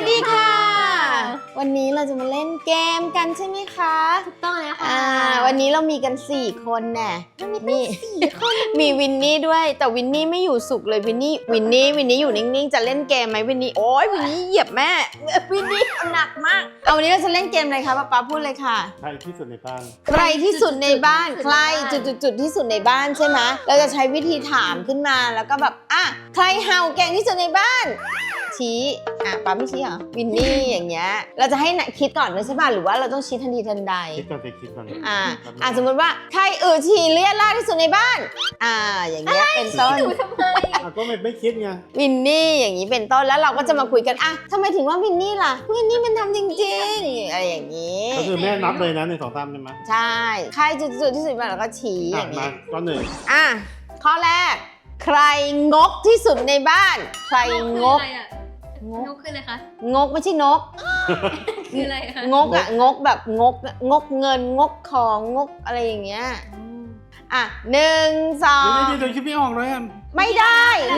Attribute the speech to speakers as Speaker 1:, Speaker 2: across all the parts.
Speaker 1: ดีค่ะวันนี้เราจะมาเล่นเกมกันใช่ไหมคะ
Speaker 2: ถูกต้องแล้วค่ะ
Speaker 1: วันนี้เรามีกัน4คนแน่มี4คนมีวินนี่ด้วยแต่วินนี่ไม่อยู่สุขเลยวินนี่อยู่นิ่งๆจะเล่นเกมไหมวินนี่โอ๊ยวินนี่เหยียบแม่วินนี่หนักมากเอาวันนี้เราจะเล่นเกมอะไรคะป๊าพูดเลยค่ะ
Speaker 3: ใครที่สุดในบ้าน
Speaker 1: ใครที่สุดในบ้านใครจุดที่สุดในบ้านใช่ไหมเราจะใช้วิธีถามขึ้นมาแล้วก็แบบใครเห่าเก่งที่สุดในบ้านชี้ป๊าไม่ชี้เหรอวินนี่อย่างเงี้ยเราจะให้คิดก่อนเลยใช่ป่ะหรือว่าเราต้องชี้ทันทีทันใด
Speaker 3: คิดก่อน
Speaker 1: สมมติว่าใครฉี่เลียราดที่สุดในบ้านอย่างเงี้ยเป็นต้น
Speaker 3: ก็ไม่คิดไง
Speaker 1: วินนี่อย่างนี้เป็นต้นแล้วเราก็จะมาคุยกันทำไมถึงว่าวินนี่ล่ะวินนี่มันทำจริงๆอะไรอย่างนี้
Speaker 3: ก็คือแม่นับเลยนะ1 2 3ใช่ไหม
Speaker 1: ใช่ใครจุดที่สุดในบ้านเราก็ชี้อย่างนี้
Speaker 3: ก็
Speaker 1: ข้อแรกใครงกที่สุดในบ้านใครงก
Speaker 2: นกคืออะไรคะ
Speaker 1: งกไม่ใช่นก
Speaker 2: คืออะไรคะ
Speaker 1: งกแบบงกเงินงกของงกอะไรอย่างเงี้ย1 2
Speaker 3: เดี๋ยวคิดไม่ออกเลย
Speaker 1: ไม่ได้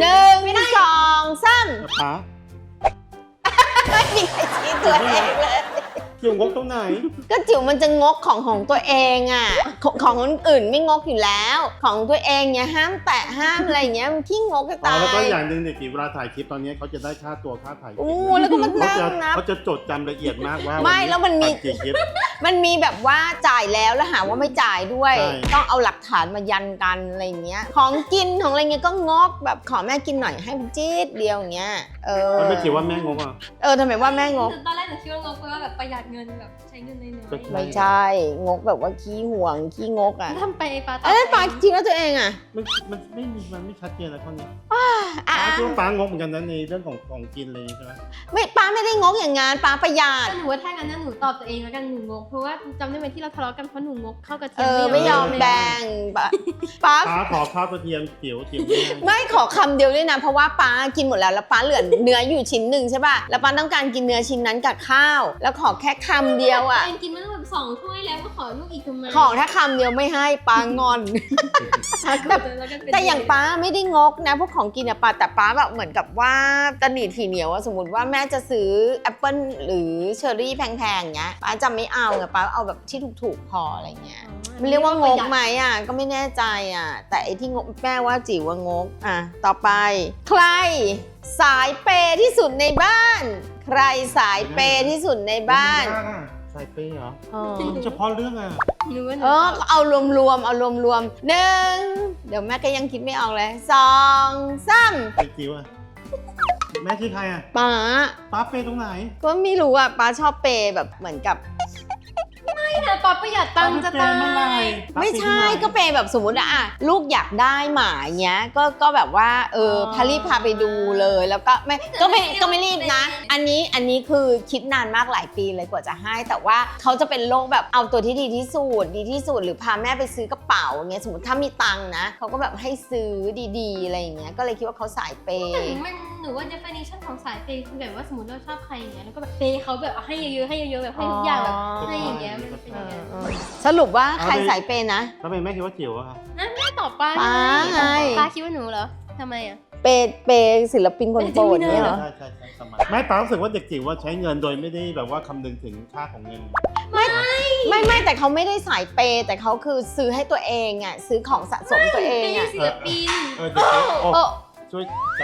Speaker 1: 1 2 3
Speaker 3: ป๋า
Speaker 1: ไม่มีใครชี้ตัวเองเลย
Speaker 3: จิ๋วงกตรงไหน
Speaker 1: ก็จิ๋วมันจะงกของตัวเองของคนอื่นไม่งกอยู่แล้วของตัวเองเนี่ยห้ามแตะห้ามอะไรอย่างเงี้ยมันขี้งกจะตาย
Speaker 3: แล้วก็อย่างหนึ่งเด็กจิ๋วเวลาถ่ายคลิปตอนนี้เขาจะได้ค่าตัวค่าถ่าย
Speaker 1: แล้วก็มันนั่งนับ
Speaker 3: เขาจะจดจำละเอียดมากว่า
Speaker 1: ไม่แล้วมันมีแบบว่าจ่ายแล้วหาว่าไม่จ่ายด้วยต้องเอาหลักฐานมายันกันอะไรเงี้ยของกินของอะไรเงี้ยก็งกแบบขอแม่กินหน่อยให้จี๊ดเดียวอย่างเงี้ย
Speaker 3: มันไม่จิ๋วว่าแม่งก
Speaker 1: ทำไมว่าแม่งก
Speaker 2: ตอนแรกหนูคิดว่างกเพราะว่าแบบประหยัดเงินแบบใช้เงินน้อย
Speaker 1: ไม่ใช่งกแบบว่าขี้ห่วงขี้งก
Speaker 2: ทำไปปา
Speaker 1: ปาจริงแล้วตัวเอง
Speaker 3: มันไม่ชัดเจนอะไรข้อนี้คิดว่าป้างกเหมือนกันนะในเรื่องของกินเลยใช่ไหม
Speaker 1: ไม่ป้าไม่ได้งกอย่างงั้นป้าประหยัด
Speaker 2: หนูว่าถ้างั้นหนูตอบตัวเองแล้วกันหนูงกเพราะว่าจำได้ไหมที่เราทะเลาะกันเพราะหนูงกข้าวกระเทียม
Speaker 1: ไม่ยอมแบ่ง
Speaker 3: ป้าขอข้าวกระเทียมจิ๋ว
Speaker 1: ไม่ขอคำเดียวด้วยนะเพราะว่าป้ากินหมดแล้วป้าเหลือเนื้ออยู่ชิ้นหนึ่งใช่ป่ะแล้วป้าต้องการกินเนื้อชิ้นนั้นกับข้าวแล้วขอแค่คำเดียว
Speaker 2: กินมาแบบ2 ถ้วยแล้วก็ขอลูกอีกทำไม
Speaker 1: ขอถ้าคำเดียวไม่ให้ป้างอนแต่อย่างป้าไม่ได้งกนะพวกของกินป้าแต่ป้าแบบเหมือนกับว่าตะหนีทีเหนียวสมมติว่าแม่จะซื้อแอปเปิ้ลหรือเชอร์รี่แพงๆเงี้ยป้าจะไม่เอาป้าเอาแบบที่ถูกๆพออะไรเงี้ยมันเรียกว่างกไหมก็ไม่แน่ใจแต่ไอ้ที่งกแม่ว่าจิ๋วว่างกต่อไปใครสายเปย์ที่สุดในบ้านใครสายเปย์ที่สุดในบ้าน
Speaker 3: สายเปย์เหรอเฉพาะเรื่อง
Speaker 1: เอารวม1เดี๋ยวแม่ก็ยังคิดไม่ออกเลย2 3
Speaker 3: ไปจิ๋วแม่คือใครป้าเปย์ตรงไหน
Speaker 1: ก็ไม่รู้ป้าชอบเปย์แบบเหมือนกับ
Speaker 2: ไม่นะป๊าประหยัดตังค์จะตาย
Speaker 1: ไม่ใช่ก็เปย์แบบสมมติลูกอยากได้หมาเงี้ยก็แบบว่าพารีบพาไปดูเลยแล้วก็ไม่รีบนะอันนี้คือคิดนานมากหลายปีเลยกว่าจะให้แต่ว่าเขาจะเป็นโรคแบบเอาตัวที่ดีที่สุดหรือพาแม่ไปซื้อกระเป๋าเงี้ยสมมติถ้ามีตังค์นะเขาก็แบบให้ซื้อดีๆอะไรอย่างเงี้ยก็เลยคิดว่าเขาสายเปย์
Speaker 2: หนูว่า definition ของสายเปย์คือแบบว่าสมมติเราชอบใครอย่างเงี้ยแล้วก็แบบเปย์เขาแบบให้เยอะๆแบบให้ทุกอย่างแบบให้อย่างเงี้ย
Speaker 1: สรุปว่าใครสายเปย์นะ
Speaker 3: ทำไมแม่คิดว่าจิ๋วครับ
Speaker 2: แม่ตอบป้า
Speaker 1: ไง
Speaker 2: ป้าคิดว่าหนูเหรอทำไม
Speaker 1: เปย์ศิลปินคนโปรดเนี่ยเหรอ
Speaker 3: ใช่ไม่ป้ารู้สึกว่าเด็กจิ๋วว่าใช้เงินโดยไม่ได้แบบว่าคำนึงถึงค่าของเงิน
Speaker 1: ไม่แต่เขาไม่ได้สายเปย์แต่เขาคือซื้อให้ตัวเองซื้อของสะสมตัวเอง
Speaker 2: ศิลปิน
Speaker 3: ช่วย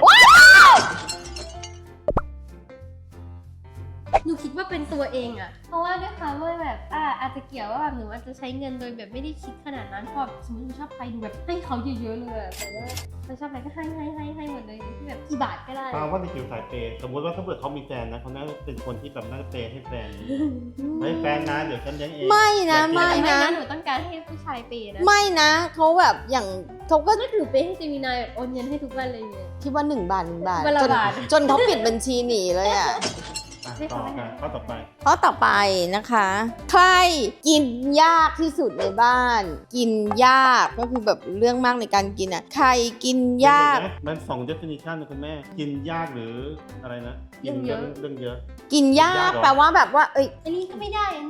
Speaker 2: หนูคิดว่าเป็นตัวเองเพราะว่าด้วยความว่าแบบอาจจะเกี่ยวว่าแบบหนูอาจจะใช้เงินโดยแบบไม่ได้คิดขนาดนั้นชอบสมมติหนูชอบใครดูแบบให้เขาเยอะๆเลยแต่ว่าเราชอบอะไรก็ให้หมดเลยที่แบบกี่บาทก็ได้
Speaker 3: ว่าในจิ๋วสายเปย์สมมติว่าถ้าเกิดเขามีแฟนนะเขาน่าจะเป็นคนที่แบบน่าจะเปย์ให้แฟนนะเดี๋ยวฉันเลี้ยงเอง
Speaker 1: ไม่นะ
Speaker 2: หนูต้องการให้ผู้ชายเปย์นะ
Speaker 1: ไม่นะเขาแบบอย่างเขาก็
Speaker 2: ถือเปย์ให้เจมินายแบบโอนเงินให้ทุกวันเลยเนี่ย
Speaker 1: คิดว่า1 บาทจนเขาปิดบัญชีหนีเลย
Speaker 3: ข้อต่
Speaker 1: อไปนะคะใครกินยากที่สุดในบ้านกินยากก็คือแบบเรื่องมากในการกินใครกินยาก
Speaker 3: มัน2 definition นะคุณแม่กินยากหรืออะไรนะ
Speaker 2: เรื่องเยอะ
Speaker 1: กินยากแปลว่าแบบว่า
Speaker 2: อันนี้ก็ไม่ได้อันนู้นก็ไม่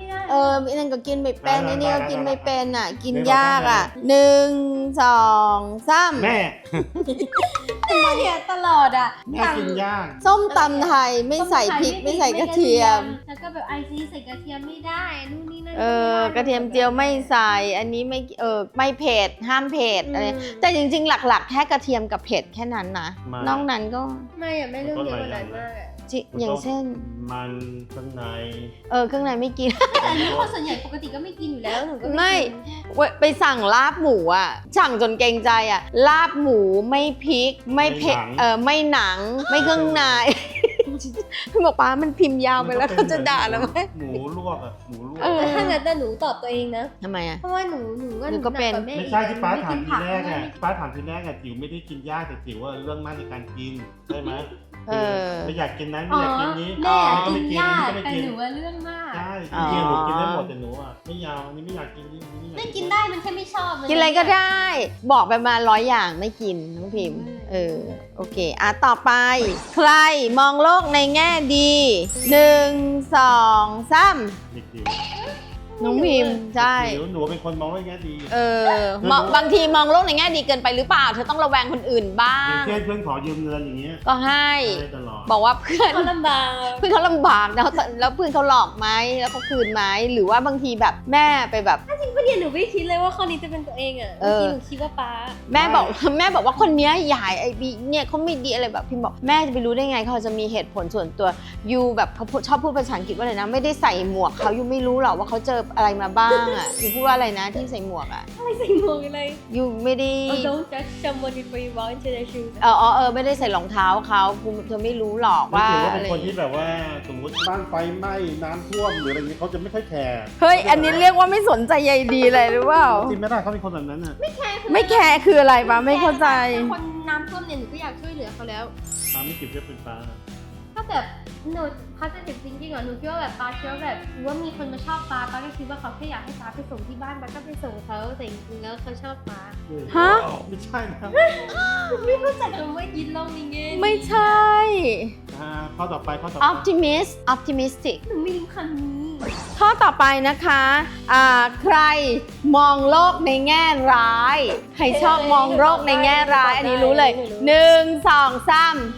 Speaker 2: ได้
Speaker 1: ไอ้นั่นก็กินไม่เป็นไอ้นี่ก็กินไม่เป็นอ่ะ กินยากอ่ะ1 2 3
Speaker 3: แม่
Speaker 2: แม่เนี่ยตลอดอ่ะ
Speaker 3: แม่กินย่าง
Speaker 1: ส้มตำไทยไม่ใส่พริกไม่ใส่กระเทียม
Speaker 2: แล้วก็แบบไอซีใส่กระเทียมไม่ได้นู่นนี่นั่น
Speaker 1: กระเทียมเจียวไม่ใส่อันนี้ไม่ไม่เผ็ดห้ามเผ็ดอะไรแต่จริงๆหลักๆแค่กระเทียมกับเผ็ดแค่นั้นนะนอกนั้นก็
Speaker 2: ไม่อะไม่เรื่องเยอะกว่านั้นมากอะ
Speaker 1: อย่างเช่น
Speaker 3: มันข้างใน
Speaker 1: เครื่องในไม่กิน
Speaker 2: แต่อันนี้คนส่วนใหญ่ปกติก็ไม่กินอยู่แล้วหนูก็
Speaker 1: ไม่
Speaker 2: กิน
Speaker 1: ไปสั่งลาบหมูอ่ะสั่งจนเกรงใจอ่ะลาบหมูไม่พริกไม่เผ็ดไม่หนังไม่เครื่องในพี่บอกป้ามันพิมพ์ยาวไปแล้วเขาจะด่าแล้วไหม
Speaker 3: หมูลวกอ่ะหมูลวก
Speaker 2: แต่ถ้างั้นแต่หนูตอบตัวเองนะ
Speaker 1: ทำไมอ่ะ
Speaker 2: เพราะว่าหนูว่า
Speaker 1: หนูก็เป็น
Speaker 2: หกว่าแ
Speaker 3: ไม่ใช่ที่ป้าถาม
Speaker 2: ไม่
Speaker 3: ที
Speaker 2: กินผั
Speaker 3: แรกอ่ะ
Speaker 2: ไม่
Speaker 3: ป้าถามทีแรกอ่ะจิ๋วไม่ได้กินย่างแต่จิ๋วว่าเรื่องมากในการกินใช่ไหม ไม่อยากกินนั้นไม่อยากกินนี้
Speaker 2: แม่
Speaker 3: ก็
Speaker 2: กิ
Speaker 3: ไม่
Speaker 2: น
Speaker 3: กิน
Speaker 2: ยา
Speaker 3: อัน
Speaker 2: ก
Speaker 3: นี้ก็ไม่
Speaker 2: แต่
Speaker 3: กิน
Speaker 2: หนูว่าเรื่องมาก
Speaker 3: ใช่จริงๆหนูกินได้หมดแต่หนูอ่ะไม่ยาวอันนี้ไม่อยากกินนี่อันนี้ไม่อยาก
Speaker 2: ไม่กินได้มันแค่ไม่ชอบมั
Speaker 1: กินอะไรก็ได้ บอกไปมา100 อย่างไม่กินน้องพิมพ์โอเคต่อไป ใครมองโลกในแง่ดี1 2 3
Speaker 3: เด็กจิ๋ว
Speaker 1: น้องพิมพ์ใช่
Speaker 3: หนูเป็นคนมองว่าแง่ดี
Speaker 1: บางทีมองโลกในแง่ดีเกินไปหรือเปล่าเธอต้องระแวงคนอื่นบ้า
Speaker 3: อย่าง
Speaker 1: ง
Speaker 3: เช่นเพื่อนขอยืมเงินอย่างเงี้ย
Speaker 1: ก็ให้
Speaker 3: ได้ตลอด
Speaker 1: บอกว่าเพื่อน
Speaker 2: เขาลำบาก
Speaker 1: เพื่อนเขาลำบากแล้วเพื่อนเขาหลอกไหมแล้วเขาคืนไหมหรือว่าบางทีแบบแม่ไปแบบ
Speaker 2: ไม่เดียวหนูไม่คิดเลยว่าข้อนี้จะเป็นตัวเองอ่ะ
Speaker 1: เออ
Speaker 2: เมื่อกี้หนูคิดว่าป๊า
Speaker 1: แม่บอกว่าคนเนี้ยใหญ่ไอ้บีเนี่ยเขาไม่ดีอะไรแบบพิมบอกแม่จะไปรู้ได้ไงเขาจะมีเหตุผลส่วนตัวยูแบบเขาชอบพูดภาษาอังกฤษว่าอะไรนะไม่ได้ใส่หมวกเขายูไม่รู้หรอกว่าเขาเจออะไรมาบ้างอ่ะยูพูดว่าอะไรนะที่ใส่หมวกอ่ะ
Speaker 2: อะไรใส่หมวกอะไร
Speaker 1: ยูไม่ได้
Speaker 2: Don't judge someone before you walk into their shoes
Speaker 1: ไม่ได้ใส่รองเท้าเขาเธอไม่รู้หรอกว่า
Speaker 3: ถือว่า
Speaker 1: อะ
Speaker 3: เป็น
Speaker 1: ไร
Speaker 3: คนที่แบบว่าสมมติบ้านไฟไหม้น้ำท่วมหรืออะไรเงี้ยเขาจะไม่ค่อยแคร์
Speaker 1: เฮ้ยอันนี้เรียกว่าไม่สนใจใยดีเลยหรือเปล่า
Speaker 3: จริงไม่ได้เขาเป็นคนแบบนั้นอ่ะ
Speaker 1: ไม่แคร์คืออะไรปะไม่เข้าใจ
Speaker 2: แต่คนน้ำท่วมเนี่ยหนูก็อยากช่วยเหลือเขาแล้ว
Speaker 3: ตามไม่เก็บเพื่อเป็นป้า
Speaker 2: ถ้าแบบหนู positive thinking อ่ะหนูคิดว่าแบบป้าคิดว่าแบบว่ามีคนมาชอบป้าก็คิดว่าเขาแค่อยากให้ป้าไปส่งที่บ้านป้าก็ไปส่งเขาแต่จริงๆแล้วเขาชอบป้า
Speaker 1: ฮะ
Speaker 3: ไม่ใช่นะ
Speaker 2: ไม่เข้าใจคำว่ายินลองนี่ไง
Speaker 1: ไม่ใช่
Speaker 3: ข้อต่อไป
Speaker 1: optimistic
Speaker 2: หนูไม่รู้คำนี้
Speaker 1: ข้อต่อไปนะคะใครมองโลกในแง่ร้าย ใครชอบมองโลกในแง่ร้าย อันนี้รู้เลย 1 2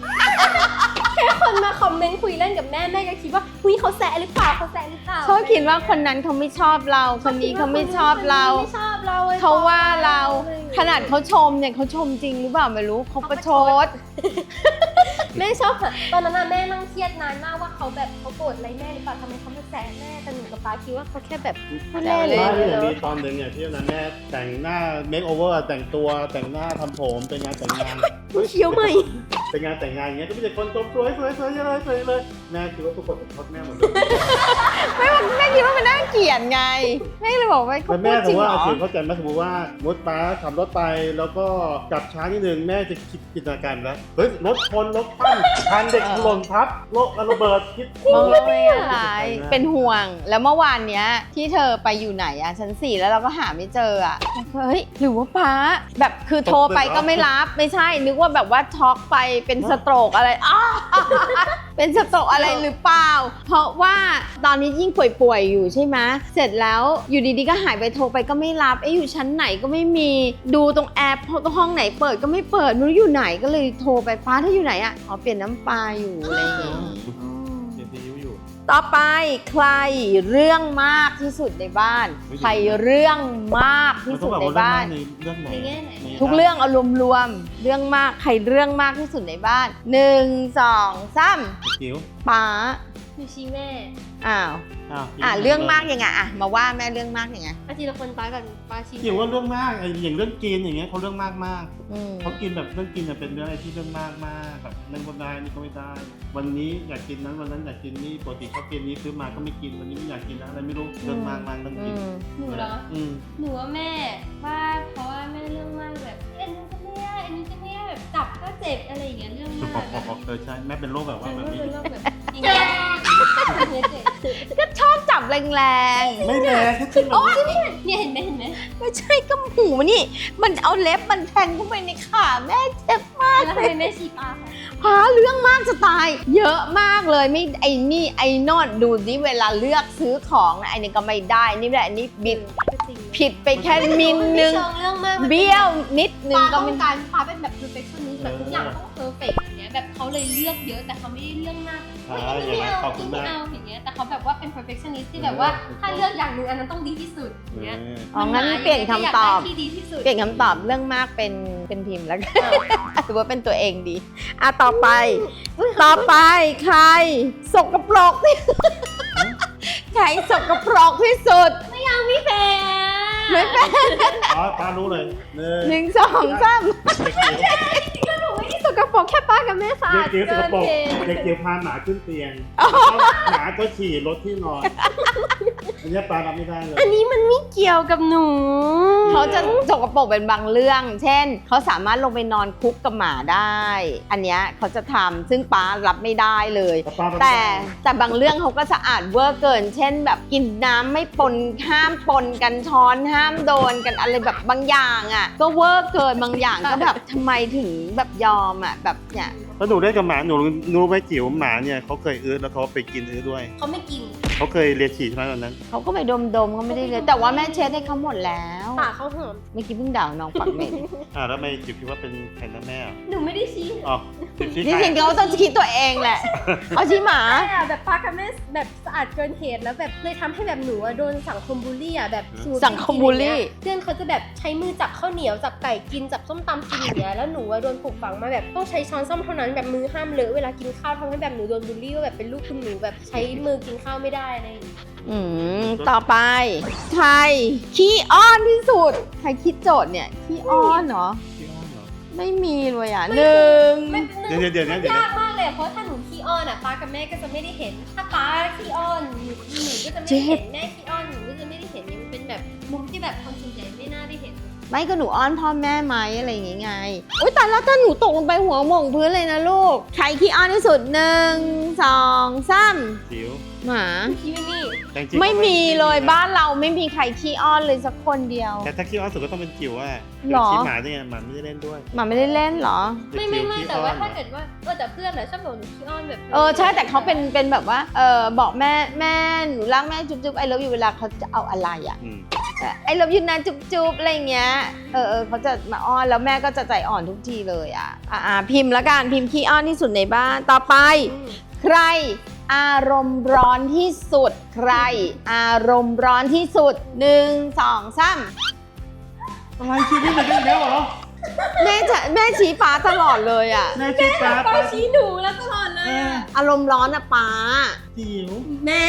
Speaker 1: 3
Speaker 2: แค่คนมาคอมเมนต์คุยเล่นกับแม่แม่ก็คิดว่าคุยเขาแซะหรือเปล่าเขาแซะหรือเปล่า
Speaker 1: เขาคิดว่าคนนั้นเขาไม่ชอบเราคนนี้เขาไม่ชอบเรา
Speaker 2: ไม่ชอบเรา
Speaker 1: เขาว่าเราขนาดเขาชมเนี่ยเขาชมจริงหรือเปล่าไม่รู้เขาประชด
Speaker 2: แม่ชอบอะตอนนั้นน่ะแม่นั่งเครียดนานมากว่าเขาแบบเขาโกรธอะไรแม่หรือเปล่าทำไมเขามาแซะแม่แต่หนูกับป๊าคิดว่าเขาแค่แบบพูดเล่น
Speaker 1: แซว
Speaker 3: ไม่
Speaker 1: เล่น
Speaker 3: มีตอนหนึ่งเนี่ยที่นั้นแม่แต่งหน้าเมคโอเวอร์แต่งตัวแต่งหน้าทำผมเป็นงานแต่งงาน
Speaker 2: เคี้ยวใหม่
Speaker 3: เป็นงานแต่งงานอย่างเงี้ยก็มีแต่คนชมสวยเลยแม่คิดว่าทุกคนเป็นชอบแม่หมดเลย
Speaker 1: แม่คิดว่ามันน่าเกลียดไงแม่เลยบอกว่าเขา
Speaker 3: แต่
Speaker 1: พู
Speaker 3: แม่
Speaker 1: ดจ
Speaker 3: ถื
Speaker 1: ริ
Speaker 3: อง ว่า
Speaker 1: เหรอ
Speaker 3: เข้าใจไหมสมมติว่าป้าขับรถไปแล้วก็กลับช้านิดนึงแม่จะคิดจินตนาการแล้วเฮ้ยรถชนรถคว่ำคันเด็กหล่นทับรถระเบิดคิด
Speaker 1: มองโลกในแง่ร้ายเป็นห่วงแล้วเมื่อวานเนี้ยที่เธอไปอยู่ไหนอะชั้น 4แล้วเราก็หาไม่เจออะเฮ้ยหรือว่าป้าแบบคือโทรไปก็ไม่รับไม่ใช่นึกว่าแบบว่าช็อกไปเป็นสโตรกอะไรเป็นสโตรกอะไรหรือเปล่าเพราะว่าตอนนี้ยิ่งป่วยๆอยู่ใช่ไหมเสร็จแล้วอยู่ดีๆก็หายไปโทรไปก็ไม่รับอยู่ชั้นไหนก็ไม่มีดูตรงแอปห้องไหนเปิดก็ไม่เปิดไม่รู้อยู่ไหนก็เลยโทรไปป้าถ้าอยู่ไหนอะเปลี่ยนน้ำปลาอยู่อะไรอย่างเงี้ย
Speaker 3: เดี๋ยวซีอิ๊วอยู่
Speaker 1: ต่อไปใครเรื่องมากที่สุดในบ้าน ใครเรื่องมากที่สุดในบ้าน
Speaker 3: เรื่องไหน
Speaker 2: ในแง่ไหน
Speaker 1: ทุกเรื่องเอารวมๆเรื่องมากใครเรื่องมากที่สุดในบ้าน1 2 3
Speaker 3: จิ๋ว
Speaker 1: ป๋า
Speaker 2: หนูชี้แม่
Speaker 1: อ้าวเรื่องมากยังไงมาว่าแม่เรื่องมากยังไง
Speaker 2: อาทีละคนป้ากับป้าชี้
Speaker 3: จิ๋วว่าเรื่องมากอย่างเรื่องกินอย่างเงี้ยเขาเรื่องมาก
Speaker 1: อืม
Speaker 3: เขากินแบบเรื่องกินเป็นเรื่องอะไรที่เรื่องมากแบบนั่นก็ได้นี่ก็ไม่ได้ วันนี้อยากกินนั้นวันนั้นอยากกินนี่ปกติเขากินนี้ซื้อมาก็ไม่กินวันนี้ไม่อยากกินอะไรไม่รู้เรื่องมากเรื่องกิน
Speaker 2: หนูเหรอหนูว่าแม่ว่าเพราะว่าแม่เรื่องมากแบบอันนี้ก็ไม่ได้อันนี้ก็ไม่ได้แบบจับก็เจ็บอะไรอย่างเงี้ยเรื่องมาก
Speaker 3: ใช่แม่เป็นโรคแบบว่าแบบนี้
Speaker 2: เป็นโรคแบบอย่างเงี้ย
Speaker 1: ก็ชอบจับแรง
Speaker 3: ไม่แรงแค่ที่มัน
Speaker 2: เนี่ยเห็นไหม
Speaker 1: ๆไม่ใช่ก็หูนี่มันเอาเล็บมันแทงเข้าไปในขาแม่เจ็บมาก
Speaker 2: แล้วทำไมแม่ชี้ปลาคะ
Speaker 1: หาเรื่องมากจะตาย เยอะมากเลยไม่ไอ้นี่ไอ้นอดดูดิเวลาเลือกซื้อของนะไอ้นี่ก็ไม่ได้นี่แหละอันนี้บิด
Speaker 2: ก็จริง
Speaker 1: ผิดไปแค่มิลนึง
Speaker 2: ไม่เชิงเรื่องมาก
Speaker 1: เบี้ยวนิดนึ
Speaker 2: ป
Speaker 1: ง
Speaker 2: ลา
Speaker 1: ก็
Speaker 2: ต้อง
Speaker 1: ไม่
Speaker 2: การปลาเป็นแบบ perfectionist แบบทุกอย่างต้อง perfect อย่างเงี้ยแบบเขาเลยเลือกเยอะแต่เขาไม่ได้เลือกมากเฮ้ยอันนี้ไม่เอาอันนี้ไม่เอาอย่างเงี้ยแต่เขาแบบว่าเป็น perfectionist ที่แบบว่าถ้าเลือกอย่างหนึงอันนั้นต้องดีที่สุดอย่างเงี้ย
Speaker 1: อ๋องั้นเปลี่ยนคำตอบ
Speaker 2: ที่ดีที่สุด
Speaker 1: เปลี่ยนคำตอบเรื่องมากเป็นพิมพ์แล้วกันถือว่าเป็นตัวเองดีอ่ะต่อไปใครสกปรกที่ใครสกปรกที่สุด
Speaker 2: ไม่เป็น
Speaker 1: ไม่เป็น
Speaker 3: อ๋อป้ารู้เลย
Speaker 1: หนึ่งสองสาม
Speaker 2: หนูไม่ได้สกปรกแค่ป้ากับแม่สะ
Speaker 3: เด็
Speaker 2: อาก ด
Speaker 3: เกียวสกปรก
Speaker 2: เอง
Speaker 3: เด็กเกียวพาหมาขึ้นเตียงหมาก็ฉี่รถที่นอนอันนี้ป้ารับไม่ได้เลย
Speaker 2: อันนี้มันไม่เกี่ยวกับหนู
Speaker 1: เขาจะสกปรกเป็นบางเรื่อง เช่น เขาสามารถลงไปนอนคุกกับหมาได้ อันเนี้ยเขาจะทำซึ่งป้ารับไม่ได้เลย แต่บางเรื่องเขาก็สะอาดเวอร์เกิน เช่น แบบกินน้ำไม่ปนห้ามปนกันช้อนห้ามโดนกันอะไรแบบบางอย่างอ่ะก็เวอร์เกินบางอย่างก็แบบทำไมถึงแบบยอมอ่ะแบบเนี่ย
Speaker 3: แล้วหนูได้กับหมาหนูรู้ไหมจิ๋วหมาเนี่ยเขาเคยอื้อแล้วเขาไปกินอื้อด้วย
Speaker 2: เขาไม่กิน
Speaker 3: เขาเคยเลียฉี่ใช่ไหมตอนนั้น
Speaker 1: เขาก็ไปดมเขาไม่ได้เลยแต่ว่าแม่เช็ดให้เขาหมดแล้ว
Speaker 2: ปากเขาหอม
Speaker 1: เมื่อกี้เพิ่งด่าน้องปักเหม็น
Speaker 3: แล้วทำไมจิ๋วคิดว่าเป็นใครนะแม่อ่ะ
Speaker 2: หนูไม่ได้ชี้
Speaker 3: อ๋อจิ๋วชี้
Speaker 1: ที่
Speaker 3: ใคร
Speaker 1: จริงเขาต้องคิดตัวเองแหละ เอาชี้หมา
Speaker 2: ใช่อะแบบป้ากับแม่แบบสะอาดเกินเหตุแล้วแบบเลยทำให้แบบหนูอะโดนสังคมบูลลี่อะแบบสมมุติ
Speaker 1: สังคมบูลลี่
Speaker 2: เพื่อนเขาจะแบบใช้มือจับข้าวเหนียวจับไก่กินจับส้มตำกินอย่างเงี้ยแล้วหนูอะโดนปลูกฝังมาแบบต้องใช้ช้อนส้อมเท่านั้นแบบมือห้ามเลอะเวลากินข้าวทำให้แบบหนูโดนบูลลี่ว่าแบบเป็นลูกคุณหนูแบบใช้มือกินข้าวไม่ได้อะไรอย่างเงี้ย
Speaker 1: ต่อไปใครขี้อ้อนที่สุด ใครคิดโจทย์เนี่ยขี้อ้อนเหรอ
Speaker 3: ขี้อ้อนเหรอ
Speaker 1: ไม่มีเลยอ่ะหนึ่ง
Speaker 2: ไม่เป็น
Speaker 3: เดี๋ยว
Speaker 2: มันยากมากเลยอะเพราะถ้าหนูขี้อ้อนอะป้ากับแม่ก็จะไม่ได้เห็น ถ้าป้าขี้อ้อนหนูก็จะไม่ได้เห็นแม่ขี้อ้อนหนูก็จะไม่ได้เห็นเนี่ยมันเป็นแบบมุมที่แบบคนส่วนใหญ่ไม่น่าได้เห็น
Speaker 1: ไม่ก็หนูอ้อนพ่อแม่ไหมอะไรอย่างงี้ไงอุ้ยแต่แล้วถ้าหนูตกลงไปหัวหม่งพื้นเลยนะลูก ใครขี้อ้อนที่สุดหนึ่งสองสาม
Speaker 3: จิ๋ว
Speaker 1: หมา
Speaker 2: ขี้ไม่มี
Speaker 3: แต่จริงๆ
Speaker 1: ไม่มีเลยบ้านเราไม่มีใครขี้อ้อนเลยสักคนเดียว
Speaker 3: แต่ถ้าขี้อ้อนสุดก็ต้องเป็นจิ๋วอ่ะ
Speaker 1: หรอ
Speaker 3: ชี้หมาได้ไงหมาไม่ได้เล่นด้วย
Speaker 1: หมาไม่ได้เล่นเหรอ
Speaker 2: ไม่
Speaker 3: จิ๋ขี้
Speaker 2: แต่ว่า
Speaker 3: อ้อน
Speaker 2: ถ้าเกิดว่าแต่เพื่อนแหละชอบบอกหนูขี้อ้อนแบบ
Speaker 1: ใช่แต่เขาเป็นแบบว่าบอกแม่หนูรักแม่จุ๊บไอ้เลิฟอยู่เวลาเขาจะเอาอะไรอ่ะ
Speaker 3: อืม
Speaker 1: ไอ้เลิฟอยู่นะจุ๊บอะไรเงี้ยเขาจะมาอ้อนแล้วแม่ก็จะใจอ่อนทุกทีเลยอ่ะพิมพ์ละกันพิมพ์ขี้อ้อนที่สุดในบ้านต่อไป ใครอารมณ์ร้อนที่สุดใครอารมณ์ร้อนที่สุดหนึ่งสองสาม
Speaker 3: อะไรชีวิตมันเป็นแล้วเหรอ
Speaker 1: แม่ชี้ป้าตลอดเลยอ่ะ
Speaker 3: แม่ชี้ป้า
Speaker 2: ป้าชี้หนูแล้วตลอดเลยอะ
Speaker 1: อารมณ์ร้อนอ่ะป้า
Speaker 3: จิ๋ว
Speaker 2: แม่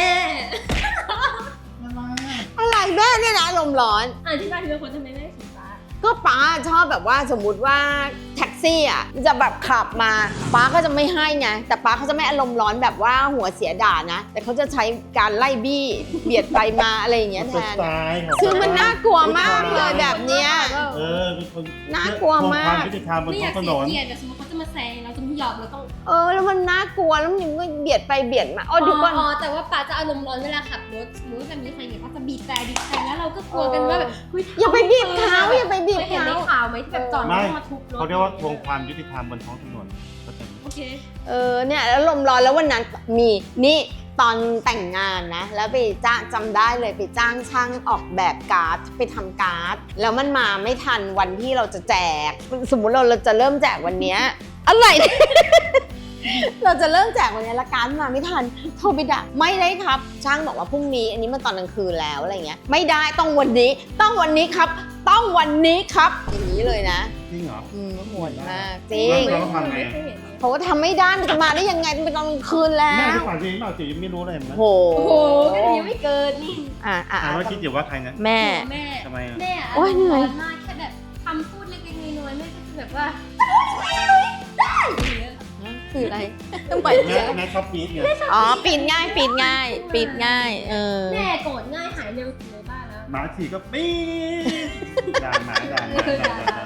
Speaker 3: อะไรอ่ะ
Speaker 1: อะไรแม่เนี่ยนะอารมณ์ร้อน
Speaker 2: อธิบายทีละคนทำไมแม่ชี้ป้า
Speaker 1: ก็ป้าชอบแบบว่าสมมุติว่าแท็กซี่อ่ะจะแบบขับมาป้าก็จะไม่ให้ไงแต่ป้าเขาจะไม่อารมณ์ร้อนแบบว่าหัวเสียด่านะ แต่เขาจะใช้การไล่บี้เบียดไปมาอะไรอย่างเงี้ย
Speaker 3: มัน
Speaker 1: แท
Speaker 3: เป็นส
Speaker 1: น
Speaker 3: ไตล์ของ
Speaker 1: คือมันน่ากลัวมากเลยแบบเนี้ย
Speaker 3: เป็นคน
Speaker 1: น่ากลัวมาก
Speaker 3: ความยุติธรรมบน
Speaker 2: ไม่อ
Speaker 3: ท้อย
Speaker 2: าง ก
Speaker 3: ถน
Speaker 2: เสีย
Speaker 3: น
Speaker 2: เกียรติแต่สมมติเขาจะมาแซงเราจะไม่ยอมเราต้อง
Speaker 1: แล้วมันน่ากลัวแล้วมันก็เบียดไปเบียดมาอ๋อดูก่อน
Speaker 2: แต่ว่าป้าจะอารมณ์ร้อนเวลาขับรถสมมติว่าแบบมีใครเนี่ยป้าจะบีบแต่แล้วเราก็กลัวกันว่าแบบเฮ้
Speaker 1: อย่าไปบีบเขาอย่าไปบีบ
Speaker 2: เคยเห็น
Speaker 1: เขา
Speaker 2: ในข่าวไหมที่แบบจอดแล้วต้องมาทุบรถ
Speaker 3: เขาเรียกว่าทวงความยุติธรรมบนท้องถนนเข้าใจไหม
Speaker 2: โอเค
Speaker 1: เนี่ยแล้วลมร้อนแล้ววันนั้นมีนี่ตอนแต่งงานนะแล้วไปจ้างจำได้เลยไปจ้างช่างออกแบบการ์ดไปทำการ์ดแล้วมันมาไม่ทันวันที่เราจะแจก สมมุติเราจะเริ่มแจกวันเนี้ยอะไร เราจะเริ่มแจกวันนี้ละการ์ดมาไม่ทันโทรไปด่าไม่ได้ครับ ช่างบอกว่าพรุ่งนี้อันนี้มันตอนกลางคืนแล้วอะไรเงี้ยไม่ได้ต้องวันนี้ต้องวันนี้ครับ ต้องวันนี้ครับอย่างนี้เลยนะ
Speaker 3: จริงเหรอ
Speaker 1: โหดมากจริง
Speaker 3: เราต้องทำไง
Speaker 2: ไม่เคยเห็นเลย
Speaker 1: เขาทำไม่ได้มันจะมาได้ยังไงมันเป็นตอนกลางคืนแล้
Speaker 3: แม่
Speaker 1: ว
Speaker 3: ที่ฝันจริงเปล่าจิ๋วยังไม่รู้เลยมั้ย
Speaker 1: โห
Speaker 2: โอ้โหก็ยังไม่เกินนี่
Speaker 3: ว่าคิดอยู่ว่าใครนะ
Speaker 1: แม่
Speaker 2: แม่
Speaker 3: ทำไมอ่ะ
Speaker 2: แม่อะ
Speaker 1: โอ๊ยเหนื่อย
Speaker 2: ร้อนมากแค่แบบคำพูดเล็กๆน้อยๆแม่ก็จะแบบว่าได้อย่างเงี้ย
Speaker 1: คืออะไรต้องปล่อย
Speaker 3: แม่ชอบปี๊ดไง
Speaker 1: อ๋อปิดง่ายปิดง่ายปิดง่าย
Speaker 2: แม่โกรธง่ายหายเร็วสุดในบ้านแล้ว
Speaker 3: หมาฉี่ก็ปี๊ดด่าหมาด่าหมาด่า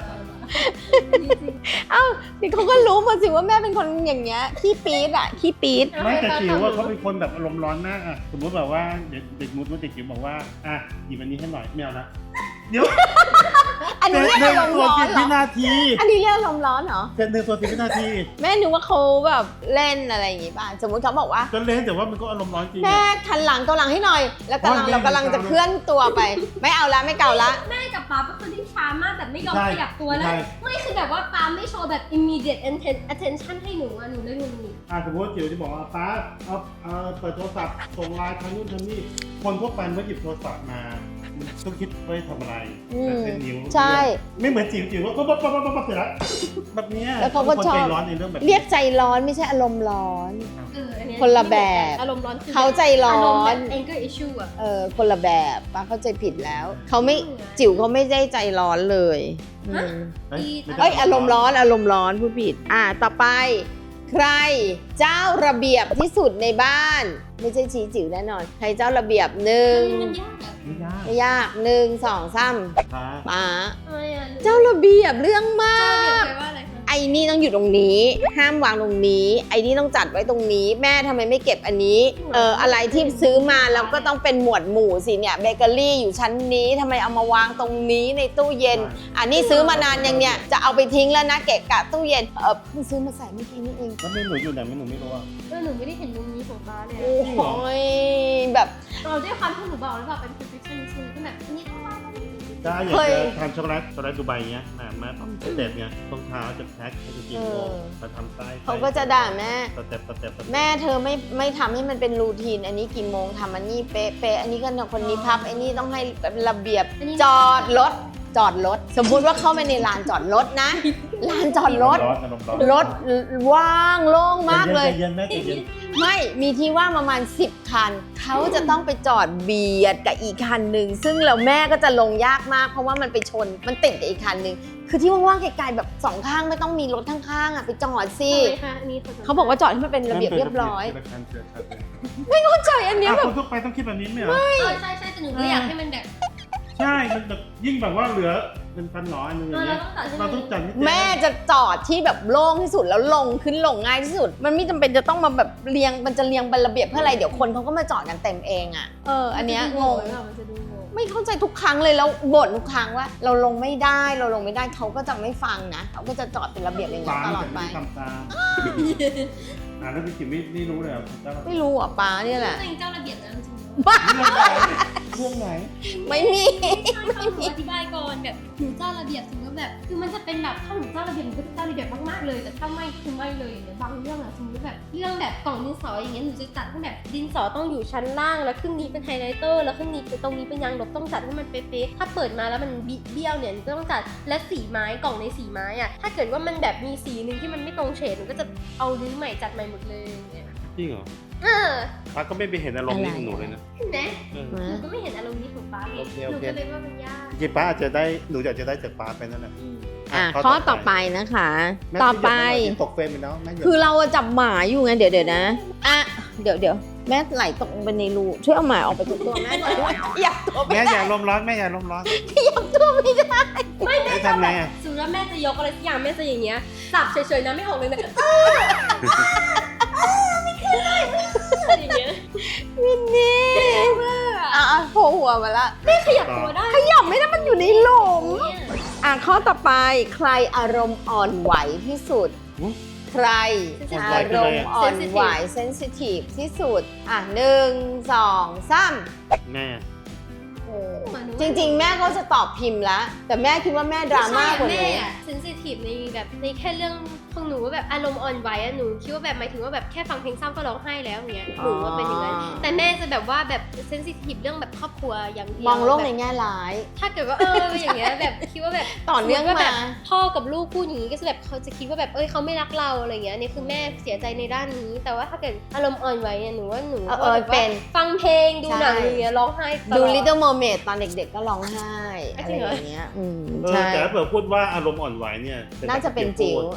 Speaker 1: เอ้านี่เขาก็รู้มาสิว่าแม่เป็นคนอย่างเงี้ยขี้ปี๊ดอะขี้ปี๊ด
Speaker 3: ไม่แต่จิ๋วว่าเขาเป็นคนแบบอารมณ์ร้อนมากอะสมมติแบบว่าเด็กมุดว่าเด็กจิ๋วบอกว่าอ่ะหยิบอันนี้ให้หน่อยไม่เอานะเดี๋ยว
Speaker 1: อันนี้เรียก
Speaker 3: หนึ่
Speaker 1: อาง รมณ์
Speaker 3: ตัว
Speaker 1: ร้อน
Speaker 3: 10
Speaker 1: เหร
Speaker 3: วิ
Speaker 1: อ
Speaker 3: นาที
Speaker 1: อันนี้เรียกอารมณ์ร้อนเหรอ
Speaker 3: เป็น1 ตัว 10 วินาที
Speaker 1: แม่นึกว่าเขาแบบเล่นอะไรอย่างงี้ป่ะสมมติเขาบอกว่า
Speaker 3: ก็เล่นแต่ว่ามันก็อารมณ์ร้อนจริง
Speaker 1: แม่ทันหลังเกาหลังให้หน่อย แล้วเรากำลังจะเคลื่อนตัวไป ไม่เอาละไม่เกาละ
Speaker 2: แม่กับป๊าเป็นคนที่ช้ามากแบบไม่ยอม
Speaker 3: ใช่
Speaker 2: ขยับตัวแล้ว
Speaker 3: ใช่
Speaker 2: ไม่คือแบบว่าป๊าไม่โชว์แบบ immediate attention ให้หนูอะหนูเลยงง
Speaker 3: สมมติว่าจิ๋วจะบอกว่าป้าเอาเปิดโทรศัพท์ส่งไลน์ทางนู้นทางนี้คนทั่วไปเมื่อหยิบโทรศัพท์มาต้องคิดไว้ทำอะไรแต่เป็นนิ้ว
Speaker 1: ใช่
Speaker 3: ไม่เหมือนจิ๋วว่าปั๊บเสร็จแล้วแบบเนี้ย
Speaker 1: แล้วเขาก็
Speaker 3: คน
Speaker 1: ชอบ
Speaker 3: ใจร้อนในเรื่องแบบ
Speaker 1: เรียกใจร้อนไม่ใช่อารมณ์ร้อน
Speaker 2: อันเนี้ย
Speaker 1: คนละแบบ
Speaker 2: อารมณ์ร้อนคือ
Speaker 1: เขาใจร้อน
Speaker 2: อารมณ์แบบ anger issue อะ
Speaker 1: คนละแบบป้าเข้าใจผิดแล้วเขาไม่จิ๋วเขาไม่ได้ใจร้อนเลยอืม
Speaker 3: เฮ้ยไม่ได้
Speaker 1: เอ้ยอารมณ์ร้อนพูดผิดต่อไป ใครเจ้าระเบียบที่สุดในบ้าน ไม่ใช่ชี้จิ๋วแน่นอน ใครเจ้าระเบียบหนึ่ง
Speaker 2: มันยากอะ
Speaker 3: ไม่ยาก
Speaker 1: ไม่ยาก1 2 3
Speaker 3: ป้า
Speaker 1: ป๋า
Speaker 2: ทำไมอะ
Speaker 1: เจ้าระเบียบเรื่องมา
Speaker 2: เจ้าระเบียบ
Speaker 1: ก
Speaker 2: แปลว่าอะไรคะ
Speaker 1: ไอ้นี่ต้องอยู่ตรงนี้ ห้ามวางตรงนี้ ไอ้นี่ต้องจัดไว้ตรงนี้ แม่ทำไมไม่เก็บอันนี้อะไรที่ซื้อมาแล้วก็ต้องเป็นหมวดหมู่สิเนี่ยเบเกอรี่อยู่ชั้นนี้ทำไมเอามาวางตรงนี้ในตู้เย็น อันนี้ซื้อมานานยังเนี่ยจะเอาไปทิ้งแล้วนะเกะกะตู้เย็นเพิ่งซื้อมาใส่เมื่อกี้นี่เอง
Speaker 3: แล้วไม่หนูอยู่ไหนไม่หนูไม่รู้อ่ะ
Speaker 2: หนูไม่ได้เห็นมุมนี้ของป๊าเลย
Speaker 1: โอ้ยแบบ
Speaker 2: เราด้วยความที่หนูบอกแล้วแบบเป็น perfectionist ก็แบบอันนี้ต้องวางตรงนี้
Speaker 3: ถ้าอยากจะทำช็อกโกแลตดูไบเงี้ยแม่ต้องสเต็ปเนี่ยต้องเท้าจะแพ็คจะกินโลมาทำไส้
Speaker 1: เขาก็จะด่าแม่
Speaker 3: สเต็ป
Speaker 1: แม่เธอไม่ทำให้มันเป็นรูทีน อันนี้กี่โมงทำอันนี้เป๊ะอันนี้ก็คนนี้พับอันนี้ต้องให้ระเบียบจอดรถสมมุติว่าเข้าไปในลานจอดรถนะลานจอดรถ รถว่างโล่งมากเลย
Speaker 3: เย็นแม่ใจเย็น
Speaker 1: ไม่มีที่ว่างประมาณ10 คัน เขาจะต้องไปจอดเบียดกับอีกคันหนึ่งซึ่งแล้วแม่ก็จะลงยากมากเพราะว่ามันไปชนมันติดกับอีกคันหนึ่งคือที่ว่างๆไกลๆแบบสองข้างไม่ต้องมีรถข้างๆไปจอดสิ
Speaker 2: ทำไมคะอันนี้
Speaker 1: เขาบอกว่าจอดให้มันเป็นระเบียบเรียบร้อย
Speaker 3: ไม่
Speaker 1: เข้าใจอันเนี้ยแบบ
Speaker 3: คนทั่วไปต้องคิดแบบนี้ไหมเหรอ
Speaker 2: ใช่แต่หนูก็อยากให้มันแบบ
Speaker 3: ใช่มันแบบยิ่งแบบว่าเหลือเป็นพันหนออันนึงอย่างเงี้ยเราต้องจัด
Speaker 1: แม่จะจอดที่แบบโล่งที่สุดแล้วลงขึ้นลงง่ายที่สุด มันไม่จำเป็นจะต้องมาแบบเรียงมันจะเรียงเป็นระเบียบเพื่ออะไรเดี๋ยวคนเขาก็มาจอดกันเต็มเองอันเนี้ยงง
Speaker 2: มันจะดูงง
Speaker 1: ไม่เข้าใจทุกครั้งเลยแล้วบ่นทุกครั้งว่า เราลงไม่ได้เขาก็จะไม่ฟังนะเขาก็จะจอดเป็นระเบียบอย่างนี้ตลอดไป
Speaker 3: ทำตามแล้วพี่จิ๋มไม่รู้เลยอ่ะ
Speaker 1: ไม่รู้อ่ะป้าเนี่ยแหละ
Speaker 2: ตัวเองเจ้าระเบียบนะจริง
Speaker 3: เรื่องไหน
Speaker 1: ไม่มี
Speaker 2: ๆหนูอธิบายก่อนแบบหนูเจ้าระเบียบสมมติแบบคือมันจะเป็นแบบถ้าหนูเจ้าระเบียบหนูก็จะเจ้าระเบียบมากๆเลยแต่ถ้าไม่คือไม่เลยอย่างเงี้ยบางเรื่องอะสมมติแบบเรื่องแบบกล่องดินสออย่างเงี้ยหนูจะจัดให้แบบดินสอต้องอยู่ชั้นล่างแล้วครึ่งนี้เป็นไฮไลท์เตอร์แล้วครึ่งนี้ตรงนี้เป็นยางลบต้องจัดให้มันเป๊ะๆถ้าเปิดมาแล้วมันเบี้ยวเนี่ยหนูก็ต้องจัดและสีไม้กล่องในสีไม้อะถ้าเกิดว่ามันแบบมีสีนึงที่มันไม่ตรงเฉดหนูก็จะเอารื้อใหม่จัดใหม่หมดเลยอย่างเงี้ย
Speaker 3: จริงเหรอ
Speaker 2: อ
Speaker 3: ป้าก็ไม่ไปเห็นอารมณ์นี้ของหนูเลยนะ
Speaker 2: เห็นไหมหนูก็ไม่เห็นอารมณ์นี้ของป้าเลยหนูก็เลยว่ามันยาก
Speaker 3: จริงป้าอาจจะได้หนูอยากจะได้จากป้าไปนั่นแหละ
Speaker 1: ข้อต่อไปนะคะ ต่อไป
Speaker 3: ตกเฟรมไปแล้วแม่
Speaker 1: คือเราจับหมาอยู่ไงเดี๋ยวนะเดี๋ยวแม่ไหลตกลงไปในรูช่วยเอาหมาออกไปจากตัวแม่หน่อยอยากตัว
Speaker 3: แม่อย่าลมร้อนแม่อย่าลมร้อน
Speaker 1: อยากตัวไม่ได้
Speaker 3: ไม่ทำไงอ่ะ
Speaker 2: สมมติว่าแม่จะยกอะไรสักอย่างแม่จะอย่างเงี้ยสับเฉยๆนะไม่ออกเลยนะอย่างเงี้ย
Speaker 1: วินนี่โผล่หัวมาละ
Speaker 2: ขยับตัวได้
Speaker 1: ขยับไม่ได้มันอยู่ในหลุมข้อต่อไปใครอารมณ์อ่อนไหวที่สุด ใครอารมณ์อ่อนไหวเซนซิทีฟที่สุด1 2 3
Speaker 3: แม่
Speaker 1: จริงๆแม่ก็จะตอบพิมพ์แล้วแต่แม่คิดว่าแม่ดราม่ากว่าหนู
Speaker 2: แม่อะเซนซิทีฟในแบบในแค่เรื่องของหนูว่าแบบอารมณ์อ่อนไหวอะหนูคิดว่าแบบหมายถึงว่าแบบแค่ฟังเพลงเศร้าก็ร้องไห้แล้วอย่างเงี้ยหนูว่าเป็นอย่างนั้นแต่แม่จะแบบว่าแบบเซนซิทีฟเรื่องแบบครอบครัวอย่างเดียว
Speaker 1: มองโลกในแง่ร้าย
Speaker 2: ถ้าเกิดว่าอย่างเงี้ยแบบคิดว่าแบบ
Speaker 1: ต่อเนื่อง
Speaker 2: ว่าแบ
Speaker 1: มา
Speaker 2: บพ่อกับลูกพูดอย่างนี้ก็จะแบบเขาจะคิดว่าแบบเขาไม่รักเราอะไรเงี้ยนี่คือแม่เสียใจในด้านนี้ แต่ว่าถ้าเกิดอารมณ์อ่อนไหวเนี่ยหนูว่าหนูเป็นฟังเพลงดูหนังอย่างเงี้ยร้องไห้ตลอด
Speaker 1: ดู Little Mermaid ตอนเด็กๆก็ร้องไห้อะไรอย่างเงี้ยใช่
Speaker 3: แต่ถ้าเผื่อพูดว่าอารมณ์อ่อนไหวเนี่ย
Speaker 1: น่าจะเป็นจิ๋ว
Speaker 3: แต่ถ้า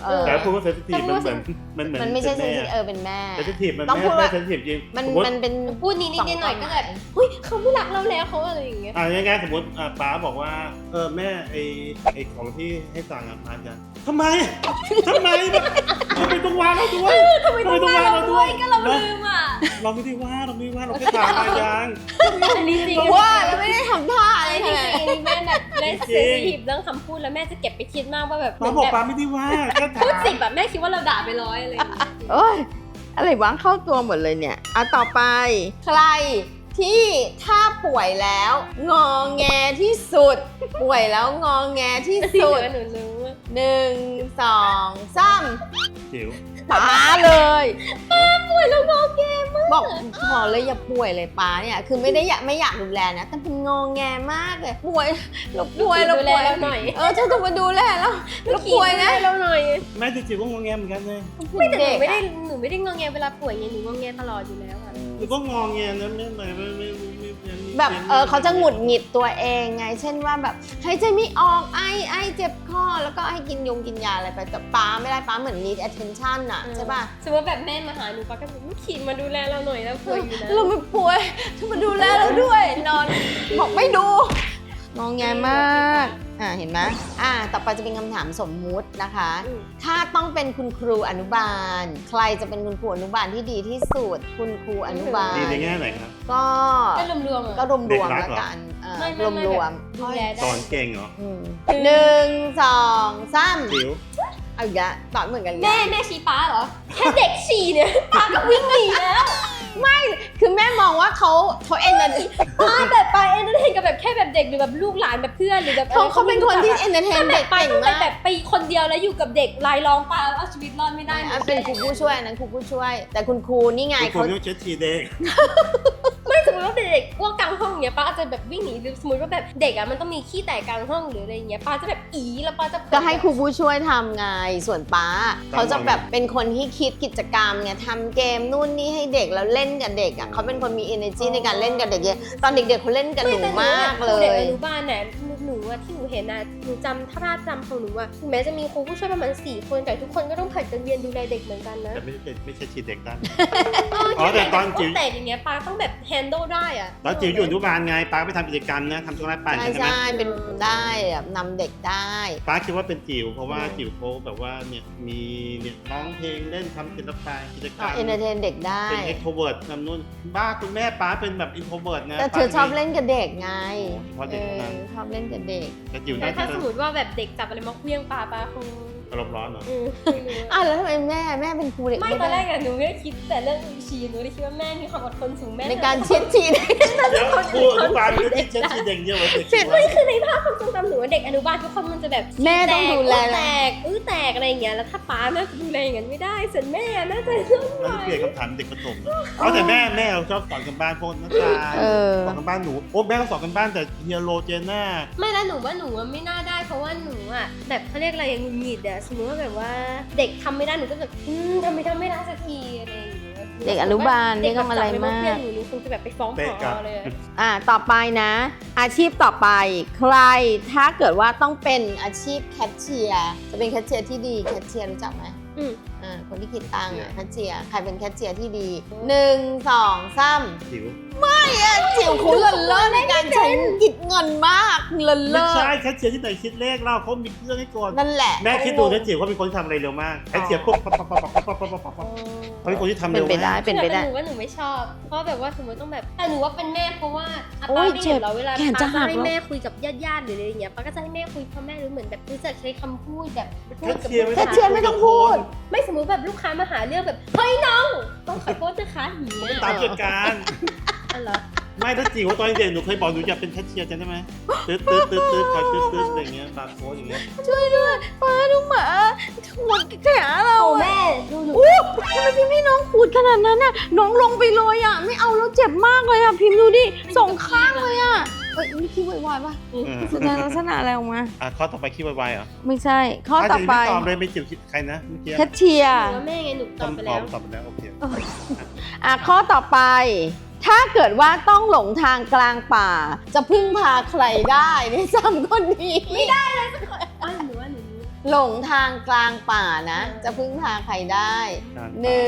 Speaker 3: พูดว่าเซนซิทีฟมันเหมือน
Speaker 1: มันไม่ใช่เซนซิทีฟเป็นแม่
Speaker 3: เซนซิทีฟมัน
Speaker 1: ต้องพูด
Speaker 3: ไม่
Speaker 1: ว่า
Speaker 3: เซนซิทีฟจริง
Speaker 1: มันเป็น
Speaker 2: พูดนิดๆหน่อยๆก็แบบเฮ้ยเขาไม่รักเราแล้วเขาอะไรอย่างเงี้ย
Speaker 3: ง่ายๆสมมติป้าบอกว่าแม่ไอของที่ให้สั่งมาจะทำไมแบบทำไมต้องว่าเราด้วย
Speaker 2: ทำไมต้องว่าเราด้วยก็เราลืมอ่ะ
Speaker 3: เราไม่ได้ว่าเราแค่ถามมายัง
Speaker 2: อันนี้จริง
Speaker 1: ว่าแล้วไม่ได้ทำท่าอะไร
Speaker 2: จ
Speaker 1: ข
Speaker 2: ริง
Speaker 1: นาด
Speaker 2: ๆอันนี้แม่แบบเล่นเซนซิทีฟเรื่องคำพูดแล้วแม่จะเก็บไปคิดมากว่าแบบ
Speaker 3: ป้าบอกป้าไม่ได้ว่าแค่ถาม
Speaker 2: พูดสิบแบบแม่คิดว่าเราด่าไป100อะไรอย่างเงี้ย
Speaker 1: โอ้ยอะไรวะเข้าตัวหมดเลยเนี่ยต่อไปใครที่ถ้าป่วยแล้วงอแงที่สุด ป่วยแล้วงอแงที่
Speaker 2: ที่
Speaker 1: สุ
Speaker 2: เห
Speaker 1: ด
Speaker 2: ลือหนูรู้ว่า
Speaker 1: 1 2 3
Speaker 3: จิ๋ว
Speaker 1: ป้าเลยป้า
Speaker 2: ป่วยแล้วงอแงมาก
Speaker 1: บอกขอเลยอย่าป่วยเลยป้าเนี่ยคือไม่อยากดูแลนะแต่เป็นงอแงมากเลยป่วยเราป่วย
Speaker 2: ดูแลเราหน่อย
Speaker 1: เธอต้องมาดูแลแล้วเราป่วยนะ
Speaker 2: เราหน่อย
Speaker 3: แม่จิ๋วก็งงแงเหมือนกันเลย
Speaker 2: ไม่แต่หนู
Speaker 1: เด็ก
Speaker 2: ไม่ได้
Speaker 1: อะ
Speaker 2: หนูไม่ได้งอแงเวลาป่วยไงหนูงอแงตลอดอยู่แล้วค่ะ
Speaker 3: หนูก็งงแงนะไม่
Speaker 1: แบบเขาจะหงุดหงิดตัวเองไง เช่นว่าแบบหายใจไม่ออกไอเจ็บคอแล้วก็ให้กินยาอะไรไปแต่ป้าไม่ได้ป้าเหมือน need attention อะใช่ป่ะ
Speaker 2: สมมติแบบแม่มาหาหนูป้าก็จะขี่มาดูแลเราหน่อยแล้วป่วยอยู่นะ
Speaker 1: เราไม่ป่วยเธอมาดูแลเราด้วยนอนบอกไม่ดูงองแงมากเห็นไหมต่อไปจะเป็นคำถามสมมุตินะคะ ถ้าต้องเป็นคุณครูอนุบาล ใครจะเป็นคุณครูอนุบาลที่ดีที่สุดคุณครูอนุบาล
Speaker 3: ดีในแง่ไหนครับ
Speaker 1: ก็
Speaker 2: รวมๆอ่ะ
Speaker 1: ก็รวมๆแล้วกันรวม
Speaker 2: ดูแล
Speaker 3: สอนเก่งเหรอ
Speaker 1: 1 2 3
Speaker 3: จิ๋ว
Speaker 1: เอาอีกแล้วตอบเหมือนกันเลย
Speaker 2: แม่ชี้ป้าเหรอ แค่เด็กฉี่เนี่ยป้าก็วิ่งหนีแล้ว
Speaker 1: คือแม่มองว่าเขาเอ็นเตอร์
Speaker 2: ป้าแบบไปเอนเตอร์เทนกับแบบแค่แบบเด็กหรือแบบลูกหลานแบบเพื่อนหรือแบบ
Speaker 1: เขาเป็นคนที่เอนเตอร์เทนเด็ก
Speaker 2: ป้า
Speaker 1: เก่ง
Speaker 2: ต้อง
Speaker 1: มาก
Speaker 2: แบบไปคนเดียวแล้วอยู่กับเด็กรายร้องป้าเอาชีวิตรอดไม่ได้
Speaker 1: เป็นครูผู้ช่วยนั้นครูผู้ช่วย แต่คุณครูนี่ไง
Speaker 3: คุณครู
Speaker 1: เขา
Speaker 3: นี่เช็ดทีเด็ก
Speaker 2: ไม่สมมติว่าเด็กอ้วกกลางห้องเนี้ยป้าอาจจะแบบวิ่งหนีหรือสมมติว่าแบบเด็กอ่ะมันต้องมีขี้แตกกลางห้องหรืออะไรเงี้ยป้าจะแบบแล้วป้าจะ
Speaker 1: ก็ให้ครูผู้ช่วยทำไงส่วนป้าเขาจะแบบเป็นคนที่คิดกิจกรรมไงทำเกมนู่นนี่ให้เด็กแล้วเล่นกับเด็กเขาเป็นคนมี energy ในการเล่นกับเด็กเยอะตอนเด็กๆเขาเล่นกับหนูมากเล
Speaker 2: เด็ก
Speaker 1: ย
Speaker 2: อนุบาลเนี่ยหนูอะที่หนูเห็นอะหนูจำถ้าภาพจำของหนูอะถึงแม้จะมีครูผู้ช่วยประมาณ4 คนแต่ทุกคนก็ต้องผัดกันเรียนดูแลเด็กเหมือนกันนะ
Speaker 3: แต่ไม่ใช่ชีเด็กตั้ง
Speaker 2: อ๋อ
Speaker 3: แต่ตอนจิ๋ว
Speaker 2: แต่อย่างเงี้ยป้าต้องแบบ handle ได้อะ
Speaker 3: ตอนจิ๋วอยู่อนุบาลไงป้าไปทำกิจกรรมนะทำช็อกโกแลตปั่น
Speaker 1: ใช่
Speaker 3: ใช่ไหม
Speaker 1: ใช่เป็นได้แบบนำเด็กได้
Speaker 3: ป้าคิดว่าเป็นจิ๋วเพราะว่าจิ๋วเขาแบบว่าเนี่ยมีเนี่ยร้องเพลงเล่นทำศิลปะกิจกรรม
Speaker 1: เอนเตอร์เทนเด็กได้
Speaker 3: เป็น extrovert ทำนู่นบ้าคุณแม่ป้าเป็นแบบ introvert นะ
Speaker 1: แต่เธอชอบเล่นกับเด็กไง
Speaker 3: เพราะเด็กเท่านั้น
Speaker 1: ชอบเล่นกับเด็ก
Speaker 3: แต่จิ๋ว
Speaker 2: แต่
Speaker 3: น่า
Speaker 2: ถ้า
Speaker 3: จะ
Speaker 2: สมมติว่าแบบเด็กจับอะไรมาเคลี้ยงป้าคง
Speaker 3: อารมณ์ร้อนเหรอ
Speaker 2: ไม่รู้อะ
Speaker 1: แล้วทำไมแม่เป็นครูเด็ก
Speaker 2: ไม่ตอนแรกอะหนูไม่ได้คิดแต่เรื่องชีหนูได้คิดว่าแม่มีความอดทนสูงแม่
Speaker 1: ในการเช็ดชีเด็ก
Speaker 3: เดี๋ยวครูอนุบาลก็ที่เช็ดชีเด็กเยอะกว่าเด็กจิ๋ว
Speaker 2: ไม่คือในภาพความทรงจำหนูว่าเด็กอนุบาลทุกคนมันจะแบบ
Speaker 1: แม่ต้องดูแล
Speaker 2: แตกแตกอะไรอย่างเงี้ยแล้วถ้าป้าแม่ดูแลอย่างนั้นไม่ได้ส่วนแม่น่าจะต้องไหว
Speaker 3: แล้วเปลี่ยนคำถามเด็กประถมเอาแต่แม่เราชอบสอนกันบ้านพวกนักการ สอนกันบ้านหนูแม่ก็สอนกันบ้านแต่เฮียโรเจน่า
Speaker 2: ไม่แล้วหนูว่าหนูอะไม่น่าได้เพราะว่าหนูอะแบบเขาเรียกอะไรอย่างหงุดหงิดอะสมมติว่าแบบว่าเด็กทำไม่ได้หนูก็แบบทำไม่ได้สักทีอะไรอย่างเงี้ย
Speaker 1: เด็กอนุบาลไม่ต้องอะไรมาก
Speaker 2: เด็กแบบจับไปเพื่อนหนูคงจะแบบไปฟ้องผอเลยอะ
Speaker 1: ต่อไปนะ อาชีพต่อไปใครถ้าเกิดว่าต้องเป็นอาชีพแคชเชียร์จะเป็นแคชเชียร์ที่ดีแคชเชียร์รู้จักไหมคนที่คิดตังค์แคชเชียร์ใครเป็นแคชเชียร์ที่ดี1 2 3
Speaker 3: จิ๋ว
Speaker 1: จิ๋วคุณเลิศเลิศในการใช้กิจเงินมากเลิศ
Speaker 3: ไม่
Speaker 1: เลิศ
Speaker 3: ใช่แคชเชียร์ที่ไหนคิดเลขเราเขามีเครื่องให้กด
Speaker 1: นั่นแหละ
Speaker 3: แม่คิดดูนะจิ๋วเขาเป็นคนที่ทำอะไรเร็วมากแคชเชียร์ปุ๊บปั๊บเขาเป็นคนที่ทำ
Speaker 1: เป็
Speaker 3: เร็
Speaker 1: น
Speaker 3: ว
Speaker 1: ไปได้
Speaker 3: มาก
Speaker 1: เป็นไปได้
Speaker 2: หนูว่าหนูไม่ชอบ เพราะแบบว่าสมมติต้องแบบแต่หนูว่าเป็นแม่เพราะว่า
Speaker 1: โอ้
Speaker 2: ป้าย ไม่เห็นเราเวลา
Speaker 1: แขน
Speaker 2: ป้า
Speaker 1: จะหั
Speaker 2: จะ
Speaker 1: ก
Speaker 2: ให้
Speaker 1: แล้ว
Speaker 2: แม่คุยกับญาติๆหรืออะไรอย่างเงี้ยป้าก็จะให้แม่คุยเพราะแม่รู้เหมือนแบบรู้จักใช้คำพูดแบบพูดกับ
Speaker 1: แคชเชียร์ไม่ต้องพูด
Speaker 2: ไม่สมมติแบบลูกค้ามาหาเรื่องแบบเฮ้ยน้องต้องขอโทษนะคะอย่างเงี้ย
Speaker 3: ตามเกิดการ
Speaker 2: อ๋อเหรอ
Speaker 3: ไม่ถ้าจิ๋วตอนเด็กหนูเคยบอกหนูอยากเป็นแคชเชียร์จำได้ไหมตืดคอยตืดอะไรอย่างเงี้ยบาร์โค้ดอย่างเงี้ย
Speaker 1: ช่วยด้วยป้าดูหมาขวดแขนเรา
Speaker 2: โอ้
Speaker 1: อะ
Speaker 2: แม่ดูหนู
Speaker 1: ทำไมพิมพ์ให้น้องขูดขนาดนั้นน่ะน้องลงไปเลยอ่ะไม่เอาแล้วเจ็บมากเลยอ่ะพิมพ์ดูดิสองข้างเลยอ่ะนี่คิดวายๆป่ะแสดงลักษณะอะไรออกมา
Speaker 3: ข้อต่อไปคิดไวๆเหรอ
Speaker 1: ไม่ใช่ ข้อต่อไป
Speaker 3: ตอบเลยไม่จิ๋วคิดใครนะเมื่อกี้
Speaker 1: แคชเชีย
Speaker 2: ห
Speaker 1: ร์
Speaker 2: นูว่าแม่ไงหนูตอบไปแล้ว
Speaker 3: ตอบไปแล้วโอเค
Speaker 1: ข้อต่อไป ถ้าเกิดว่าต้องหลงทางกลางป่า จะพึ่งพาใครได้ใน3 คนนี้
Speaker 2: หนูว่าหนู
Speaker 1: หลงทางกลางป่านะ จะพึ่งพาใครได้
Speaker 3: การ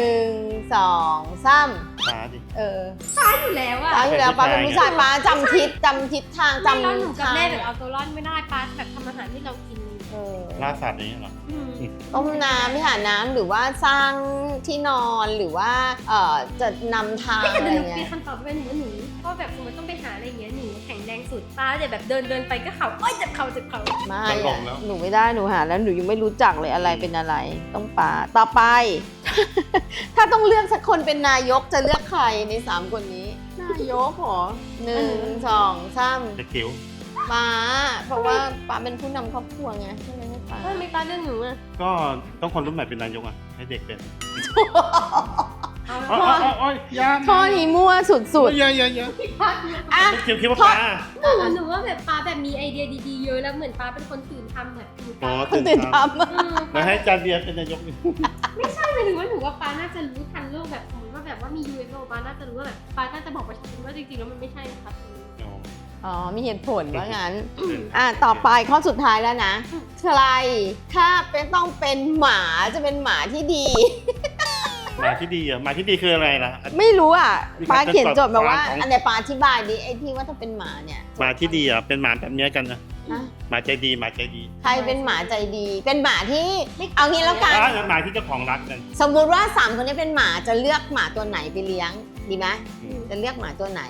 Speaker 1: 1 2 3
Speaker 3: ปลาดิ
Speaker 2: อยู่แล้วอะ
Speaker 1: ป้าอยู่แล้วป้าเป็นผู้ชายป้าจำทิศทาง
Speaker 2: ไม่แล้วหนู
Speaker 1: จำ
Speaker 2: กับ
Speaker 1: ทาง
Speaker 2: แม่แบบเอาตัวรอดไม่ได้ป้าแบบทำอาหารให้เรากิน
Speaker 3: ล่าสัตว์อย่างเงี้ยเหรอ
Speaker 2: อืม
Speaker 1: ต้มน้ำไม่หาน้ำหรือว่าสร้างที่นอนหรือว่าจะนำทาง
Speaker 2: ไม่
Speaker 1: อะไร
Speaker 2: แต่หนู
Speaker 1: เงี้
Speaker 2: มี
Speaker 1: ย
Speaker 2: คำตอบเป็นหนูก็แบบสมมติต้องไปหาอะไรอย่างเงี้ยหนูแข็งแรงสุดป้าจะแบบเดินไปก็เข่าเอ้ยเจ็บเข่า
Speaker 1: ไม่
Speaker 3: จะล
Speaker 1: อะ
Speaker 3: งแล้ว
Speaker 1: หนูไม่ได้หนูหาแล้วหนูยังไม่รู้จักเลยอะไรเป็นอะไร ต้องป่าต่อไป ถ้าต้องเลือกสักคนเป็นนายกจะเลือกใครใน3คนนี้ นายกเหรอ1 2 3
Speaker 3: จะคิ้ว
Speaker 1: ป้าเพราะว่าป้าเป็นผู้นำครอบครัวไงใช่ไหมป้า
Speaker 2: เฮ้ยไม่ป้าเรื่องหนูอะ
Speaker 3: ก็ต้องคนรุ่นใหม่เป็นนายกอ่ะให้เด็กเป็น
Speaker 2: เอา
Speaker 3: โอ้ยโอ้ยยา
Speaker 1: ข้อนี้มั่วสุด
Speaker 3: อย่า
Speaker 1: ๆอ่ะ
Speaker 3: คิดว่าปลา
Speaker 2: หนูว่าแบบป้าแบบมีไอเดียดีๆเยอะแล้วเหมือนป้าเป็นคนตื่นทำแบบหนู
Speaker 3: อ๋อ
Speaker 1: คนตื่นท
Speaker 3: แล้วให้จานเบียร์เป็นนายกนี่
Speaker 2: ไม่ใช่หมายถึงว่าหนูว่าป้าน่าจะรู้ทันโลกแบบสมมติว่าแบบว่ามี UFO ป้าน่าจะรู้ว่าแบบป้าน่าจะบอกประชาชนว่าจริงๆแล้วมันไม่ใช่นะครับ
Speaker 1: อ๋อมีเหตุผลว่างั้น ต่อไปข้อสุดท้ายแล้วนะ ใครถ้าต้องเป็นหมาจะเป็นหมาที่ดี
Speaker 3: หมาที่ดีอ่ะหมาที่ดีคืออะไรล่ะ
Speaker 1: ไม่รู้อ่ะ
Speaker 3: มี
Speaker 1: ป้า
Speaker 3: การ
Speaker 1: เขียนโจทย์มาว่า
Speaker 3: ของ
Speaker 1: อันไหนป้าอธิบายดิไอ้ที่ว่าถ้าเป็นหมาเนี่ย
Speaker 3: หมาที่ดีอ่ะเป็นหมาแบบเนี้ยกันนะ
Speaker 1: ฮะ
Speaker 3: หมาใจดีหมาใจดี
Speaker 1: ใครเป็นหมาใจดี เป็นหมาที่เอางี้แล้วกัน
Speaker 3: หมาที่เจ้าของรักกัน
Speaker 1: สมมุติว่า3คนนี้เป็นหมาจะเลือกหมาตัวไหนไปเลี้ยงดีไหม
Speaker 3: อืม
Speaker 1: จะเลือกหมาตัวไหน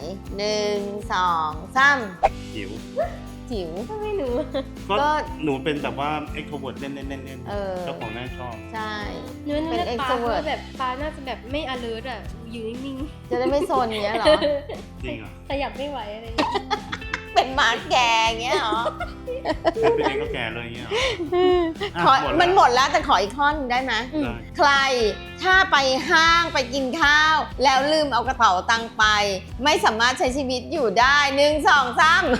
Speaker 1: 1 2 3
Speaker 3: หิว
Speaker 1: จิ๋ว
Speaker 2: ก็ไม่หนู
Speaker 3: ก็หนูเป็นแบบว่าเอ็กโทรเวิร์ดเล่นเเจ้าของน่าชอบ
Speaker 1: ใช่
Speaker 2: หนูเลือกป้าเพ
Speaker 1: extrovert
Speaker 2: ราะแบบป้าน่าจะแบบไม่ alert อ่ะอยู่นิ่ง
Speaker 1: จะได้ไม่โซนเงี้ยเหรอ
Speaker 3: จริงเหรอ
Speaker 2: ขยับไม่ไหวอะไรอย่างเงี้ย
Speaker 1: เป็นหมาแก่เงี้ยเหรอ
Speaker 3: เป็นเองก็แก่เลยอย่างเงี้ยเหรอ
Speaker 1: ขอ
Speaker 3: หมดแล้ว
Speaker 1: มันหมดแล้วแต่ขออีกข้อหนึงได้ไหม
Speaker 2: อืม
Speaker 3: ได้
Speaker 1: ใครถ้าไปห้างไปกินข้าว แล้วลืมเอากระเป๋าตังค์ไป ไม่สามารถใช้ชีวิตอยู่ได้1 2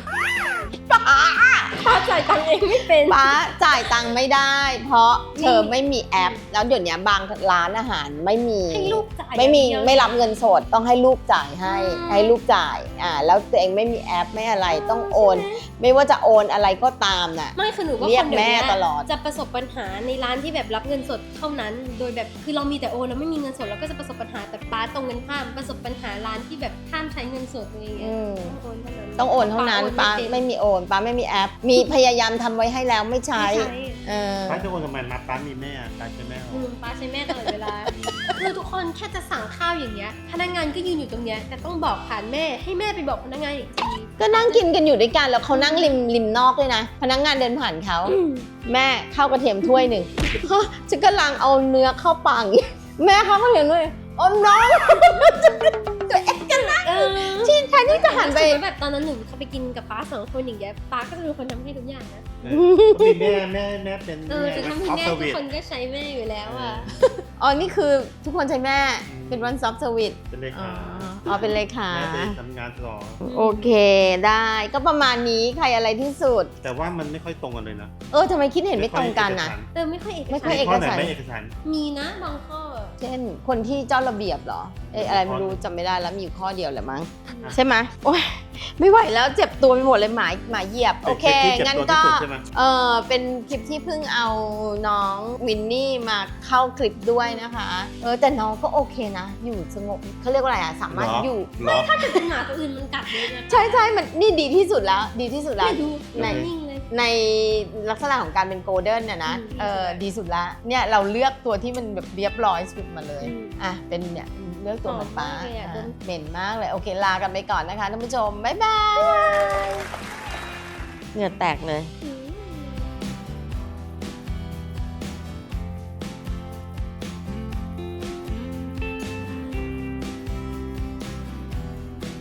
Speaker 1: 3ป้า
Speaker 2: ป้าจ่ายตังค์เองไม่เป็น
Speaker 1: ป้าจ่ายตังค์ไม่ได้ เพราะเธอไม่มีแอป แล้วเดี๋ยวนี้บางร้านอาหารไม่มี
Speaker 2: ให้ลูกจ่าย
Speaker 1: ไม่มี
Speaker 2: อย่างเดียว
Speaker 1: ไม่รับเงินสดต้องให้ลูกจ่ายให้
Speaker 2: อืม
Speaker 1: ให้ลูกจ่ายแล้วตัวเองไม่มีแอปไม่อะไรต้องโอน ไม่ว่าจะโอนอะไรก็ตามน่ะ
Speaker 2: ไม่คือหนูว่า
Speaker 1: เรีย
Speaker 2: ค
Speaker 1: ก
Speaker 2: นเดี๋ยว
Speaker 1: แม่
Speaker 2: นี้
Speaker 1: ตลอด
Speaker 2: จะประสบปัญหาในร้านที่แบบรับเงินสดเท่านั้น โดยแบบคือเรามีแต่โอนแล้วไม่มีเงินสดเราก็จะประสบปัญหาแต่ป้าตรงกันข้ามประสบปัญหาร้านที่แบบห้ามใช้เงินสดอะไรอย่างเงี้ย
Speaker 1: อืม
Speaker 2: ต้องโอนเท่านั้น
Speaker 1: ต้องโอนเท่านั้น
Speaker 2: โอ
Speaker 1: ป้า
Speaker 2: เป็น
Speaker 1: ไม่มีโอนป้าไม่มีแอป มีพยายามทำไว้ให้แล้วไม่ใช้
Speaker 2: ไม่ใช้
Speaker 1: เออ
Speaker 3: ป้าจะโอนทำไมมาป้ามีแม่ป้าใช่แม่
Speaker 2: ป้าใช้แม่ตลอดเวลา คือทุกคนแค่จะสั่งข้าวอย่างเงี้ยพนักงานก็ยืนอยู่ตรงเนี้ยแต่ต้องบอกผ่านแม่ให้แม่ไปบอกพนักงานอีกที
Speaker 1: ก็นั่งกินกันอยู่ด้วยกันแล้วเขานั่งริมนอกด้วยนะ พนักงานเดินผ่านเขาแม่ข้าวกระเทียมถ้วยหนึ่งฮะฉันกำลังเอาเนื้อเข้าปากอยู่แม่ข้าวกระเทียมด้วยอมน้องตัวเอ็กกันนะ
Speaker 2: เออ
Speaker 1: ที่แทนที่จะหันไป
Speaker 2: สมมุติแบบตอนนั้นหนูเขาไปกินกับป้า2 คนอย่างเงี้ยป้าก็จะเป็นคนทำให้ทุกอย่างนะ
Speaker 3: มีแม่เป็น
Speaker 2: จะทำให้
Speaker 3: ออฟ
Speaker 2: แม่
Speaker 3: เซอ
Speaker 2: ทุ
Speaker 3: ร์วิ
Speaker 2: ก
Speaker 3: ส
Speaker 2: คนก็ใช้แม่อยู่แล้วอ่ะ
Speaker 1: อ๋อนี่คือทุกคนใช้แม่เป็นวันซอฟต์เซอร์วิส
Speaker 3: เป็นเล
Speaker 1: อ๋อ
Speaker 3: ขา
Speaker 1: อ๋อเป็นเลขา
Speaker 3: แม่ไปทำงานต่อ
Speaker 1: โอเคได้ก็ประมาณนี้ใครอะไรที่สุด
Speaker 3: แต่ว่ามันไม่ค่อยตรงกันเลยนะ
Speaker 1: ทำไมคิดเห็นไม่ตรงกันนะ
Speaker 2: ไม่ค่อยเอก
Speaker 1: ไม่ค่
Speaker 2: สา
Speaker 1: อย
Speaker 2: ร
Speaker 1: เอก
Speaker 3: ข้อไหน
Speaker 1: สาร
Speaker 3: ไม่เอกสาร
Speaker 2: มีนะบางข้อ
Speaker 1: เช่นคนที่เจ้าระเบียบเหรออะไรไม่รู้จำไม่ได้แล้วมีอยู่ข้อเดียวแหละมั้งใช่ไหมโอ้ยไม่ไหวแล้วเจ็บตัวไปหมดเลยหมาเหยียบโอเค
Speaker 3: เป็นคลิปที่เจ็บ
Speaker 1: งั้น
Speaker 3: ตัว
Speaker 1: ก็
Speaker 3: ที่สุดใช่ไหม
Speaker 1: เป็นคลิปที่เพิ่งเอาน้องวินนี่มาเข้าคลิปด้วยนะคะแต่น้องก็โอเคนะ อยู่สงบเขาเรียกว่าอะไรสามารถอยู่
Speaker 3: เหรอ
Speaker 2: ถ้าเกิดเป็นหมาตัวอื่นมันกัดเลยนะ
Speaker 1: ใช่มันนี่ดีที่สุดแล้วดีที่สุดแล้ว
Speaker 2: ไม่ดู
Speaker 1: ใน
Speaker 2: นิ่งเลย
Speaker 1: ในลักษณะของการเป็นโกลเด้นเนี่ยนะ ดีสุดละเนี่ยเราเลือกตัวที่มันแบบเรียบร้อยสุดมาเลยเป็นเนี่ยเลือกตัวเหมือนป้าเหม็นมากเลยโอเคลากันไปก่อนนะคะท่านผู้ชมบ๊ายบายเหงื่อแตกเลย
Speaker 2: อืม